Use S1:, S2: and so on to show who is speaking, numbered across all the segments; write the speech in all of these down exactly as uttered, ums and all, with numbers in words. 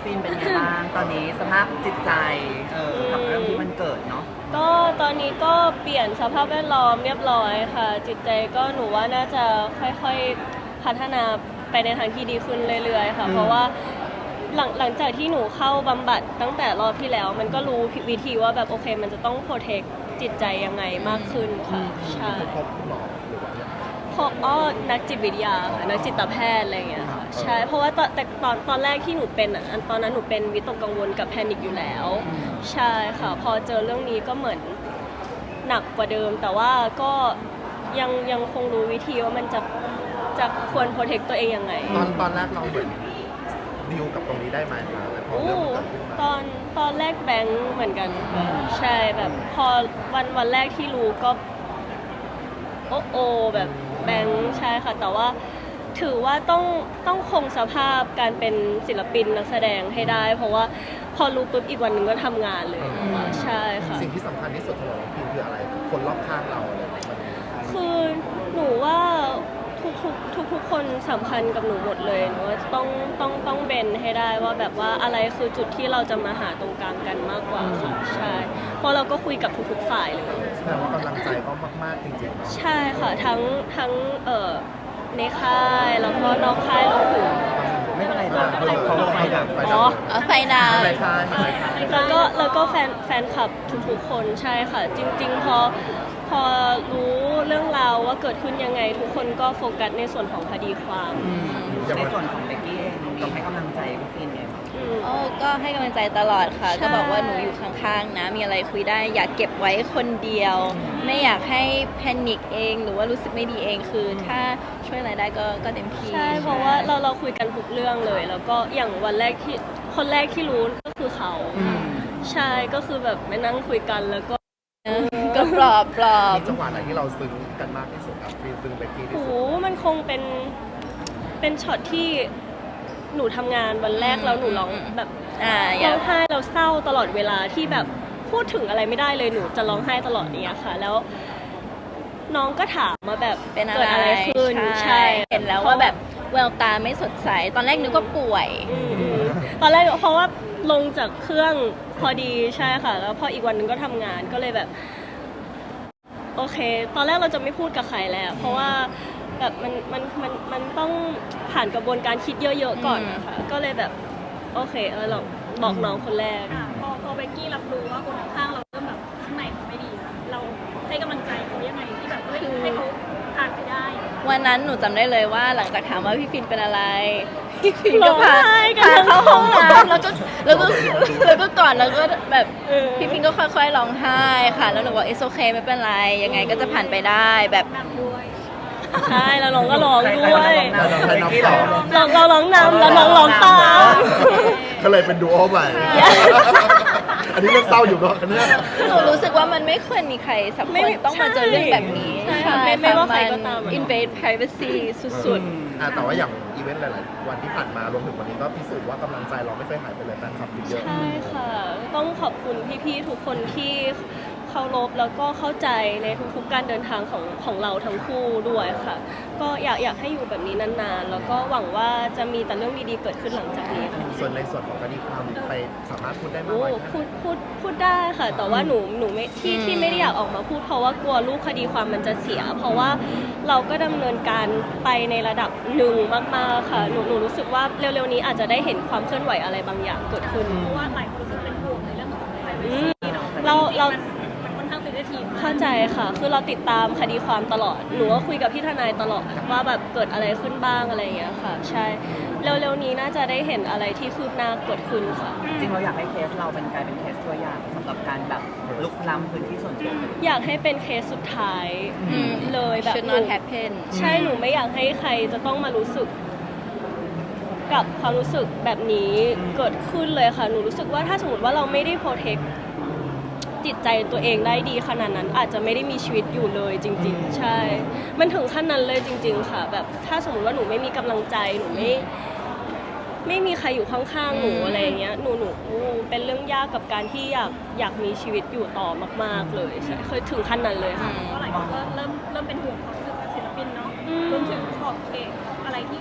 S1: ฟินเป็นไงบ้างตอนนี้สภาพจิตใจเออกับเรื่องที่มันเกิดเนาะ
S2: ก็ตอนนี้ก็เปลี่ยนสภาพแวดล้อมเรียบร้อยค่ะจิตใจก็หนูว่าน่าจะค่อยๆพัฒนาไปในทางที่ดีขึ้นเรื่อยๆค่ะเพราะว่าหลังหลังจากที่หนูเข้าบำบัดตั้งแต่รอบที่แล้วมันก็รู้วิธีว่าแบบโอเคมันจะต้องโปรเทคจิตใจยังไงมากขึ้นค่ะใช่
S3: พบหมอหรือว่า
S2: เพราะอ้อนักจิตวิทยาค่ะนักจิตแพทย์อะไรอย่างเงี้ยค่ะใช่เพราะว่าตอนแต่ตอนตอนแรกที่หนูเป็นอ่ะตอนนั้นหนูเป็นวิตกกังวลกับแพนิคอยู่แล้วใช่ค่ะพอเจอเรื่องนี้ก็เหมือนหนักกว่าเดิมแต่ว่าก็ยังยังคงรู้วิธีว่ามันจะจะควรโปรเทคตัวเองยังไง
S3: ตอนตอนแรกเราเหมือนดิวกับตรงนี้ได้ไหมคะพอเริ่มเกิดขึ้นมา
S2: ตอนตอนแรกแบงค์เหมือนกันค่ะใช่แบบพอวันวันแรกที่รู้ก็โอ้โอแบบแบงค์ใช่ค่ะแต่ว่าถือว่าต้องต้องคงสภาพการเป็นศิลปินนักแสดงให้ได้เพราะว่าพอรู้ปุ๊บอีกวันหนึ่งก็ทำงานเลยใช่ค่ะ
S3: สิ่งที่สำคัญที่สุดสำหรับน้องพิมคืออะไรคนรอบข้างเราอะไรมัน
S2: คือหนูว่าทุกทุกทุกทุกคนสำคัญกับหนูหมดเลยหนูว่าต้องต้องต้องเบนให้ได้ว่าแบบว่าอะไรคือจุดที่เราจะมาหาตรงกลางกันมากกว่าค่ะใช่เพราะเราก็คุยกับทุกๆฝ่ายเลย
S3: แสดงว่ากำลังใจก็มากๆจริง
S2: ๆใช่ค่ะทั้งทั้งเอ่อในค่ายแล้วก็นอกค่ายรวมถึง
S1: ไม่เป็นไรจ้ะเขาไฟดับ
S2: อ๋อไฟดาว
S3: ในค่ายในค่าย
S2: แล้วก็แล้วก็แฟนแฟนคลับทุกๆคนใช่ค่ะจริงๆพอพอรู้เรื่องราวว่าเกิดขึ้นยังไงทุกคนก็โฟกัสในส่วนของคดีความ
S1: ในส่วนของเบกกี้เองต้องให้กำลังใจพี่ฟินเอง
S4: โอ้ก็ให้กำลังใจตลอดค่ะก็บอกว่าหนูอยู่ข้างๆนะมีอะไรคุยได้อยากเก็บไว้คนเดียวไม่อยากให้แพนิคเองหรือว่ารู้สึกไม่ดีเองคือถ้าช่วยอะไรได้ก็ก็เต็มที่
S2: ใช่เพราะว่าเราเราคุยกันทุกเรื่องเลยแล้วก็อย่างวันแรกที่คนแรกที่รู้ก็คือเขาใช่ก็คือแบบไปนั่งคุยกันแล้วก็
S4: ก็ปลอบปลอบ
S3: จังหวะไหนที่เราซึ้งกันมากที่สุดครับฟินซึ้งเบกกี้ที่สุด
S2: โอ้มันคงเป็นเป็นช็อตที่หนูทำงานวันแรกแล้วหนูร้องแบบร้องไห้เราเศร้าตลอดเวลาที่แบบพูดถึงอะไรไม่ได้เลยหนูจะร้องไห้ตลอดเนี้ยค่ะแล้วน้องก็ถามมาแบบ
S4: เป็น
S2: เกิดอะไรขึ้น
S4: ใช่เห็นแล้วว่าแบบแววตาไม่สดใสตอนแรกนึกว่าป่วย
S2: ตอนแรกเพราะว่าลงจากเครื่องพอดีใช่ค่ะแล้วพออีกวันนึงก็ทำงานก็เลยแบบโอเคตอนแรกเราจะไม่พูดกับใครแล้วเพราะว่าแบบมันมันมันมันต้องผ่านกระบวนการคิดเยอะๆก่อนนะคะก็เลยแบบโอเคเออเราบอกน้องคนแรก
S5: พอพอเบกกี้รับรู้ว่าคนข้างเราเริ่มแบบข้างในเขาไม่ดีเราให้กำลังใจเขายังไงที่แบบให้ให้เขาผ่านไปได้
S4: วันนั้นหนูจำได้เลยว่าหลังจากถามว่าพี่ฟินเป็นอะไรพี่ฟินก็พาพาเข้าห้องน้ำแล้วก็แล้วก็แล้วก็ก่อนแล้วก็แบบพี่ฟินก็ค่อยๆร้องไห้ค่ะแล้วหนูบอกเอสโอเคไม่เป็นไรยังไงก็จะผ่านไปได้แบบ
S2: ใช่แล้วน้องก็ร้องด้วย
S3: เรา
S2: เราร้องนำแล้วน้องร้องตาม
S3: ก็เลยเป็นดูโอใหม่อันนี้เรื่องเศร้าอยู่เนาะเนี่ย
S4: หนูรู้สึกว่ามันไม่ควรมีใครสักคนต้องมาเจอเรื่องแบบนี้
S2: ใช่ไม่ว่าใครก็ตาม
S4: invade privacy สุด
S3: ๆแต่ว่าอย่างอีเวนต์หลายๆวันที่ผ่านมารวมถึงวันนี้ก็พิสูจน์ว่ากำลังใจเราไม่เคยหายไปเลยแฟนคลับเยอะ
S2: ใช่ค่ะต้องขอบคุณพี่ๆทุกคนที่เคารพแล้วก็เข้าใจในทุกๆการเดินทางของของเราทั้งคู่ด้วยค่ะก็อยากอยากให้อยู่แบบนี้นานๆแล้วก็หวังว่าจะมีแต่เรื่องดีๆเกิดขึ้นหลังจากนี้ค่ะ
S3: ส่วนในส่วนของคดีความไปสามารถพูดได้ไหม
S2: พูดพูดพูดได้ค่ะแต่ว่าหนูหนูไม่ที่ที่ไม่ได้อยากออกมาพูดเพราะว่ากลัวลูกคดีความมันจะเสียเพราะว่าเราก็ดำเนินการไปในระดับหนึ่งมากๆค่ะหนูหนูรู้สึกว่าเร็วๆนี้อาจจะได้เห็นความเคลื่อนไหวอะไรบางอย่างเกิดขึ้น
S5: เพราะว่าหลายคนรู้สึกเป็นห่วงในเรื่องของไพรเวซีเนาะ
S2: เราเรา
S5: เข้า
S2: ใจค่ะคือเราติดตามคดีความตลอดหนูก็คุยกับพี่ทนายตลอดว่าแบบเกิดอะไรขึ้นบ้างอะไรอย่างเงี้ยค่ะใช่เร็วๆนี้น่าจะได้เห็นอะไรที่คืบหน้าเกิดขึ้นค่ะ
S1: จริงเราอยากให้เคสเราเป็นกลายเป็นเคสตัวอย่างสำหรับการแบบลุกล้ำพื้นที่ส่วนตัว
S2: อยากให้เป็นเคสสุดท้ายเลยแบบ
S4: should not happen
S2: ใช่หนูไม่อยากให้ใครจะต้องมารู้สึกกับความรู้สึกแบบนี้เกิดขึ้นเลยค่ะหนูรู้สึกว่าถ้าสมมติว่าเราไม่ได้โปรเทคจิตใจตัวเองได้ดีขนาดนั้นอาจจะไม่ได้มีชีวิตอยู่เลยจริงๆใช่มันถึงขั้นนั้นเลยจริงๆค่ะแบบถ้าสมมติว่าหนูไม่มีกำลังใจหนูไม่ไม่มีใครอยู่ข้างๆหนูอะไรอย่างเงี้ยหนูหนูเป็นเรื่องยากกับการที่อยากอยากมีชีวิตอยู่ต่อมากๆเลยใช่เคยถึงขั้นนั้นเลยค่ะ
S5: ก็หลายคนก็เริ่มเริ่มเป็นห่วงความรู้สึกศิลปินเนาะรวมถึงขอบเขตอะไรที่ควร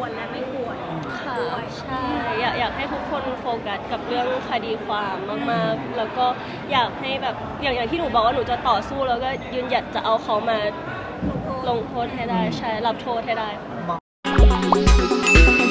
S5: ควรและไม่ควร
S2: ค่ะใช่อยากอยากให้ทุกคนโฟกัสกับเรื่องคดีความมากๆ แล้วก็อยากให้แบบอย่างอย่างที่หนูบอกว่าหนูจะต่อสู้แล้วก็ยืนหยัดจะเอาเขามาลงโทษให้ได้ใช่รับโทษให้ได้
S1: มอง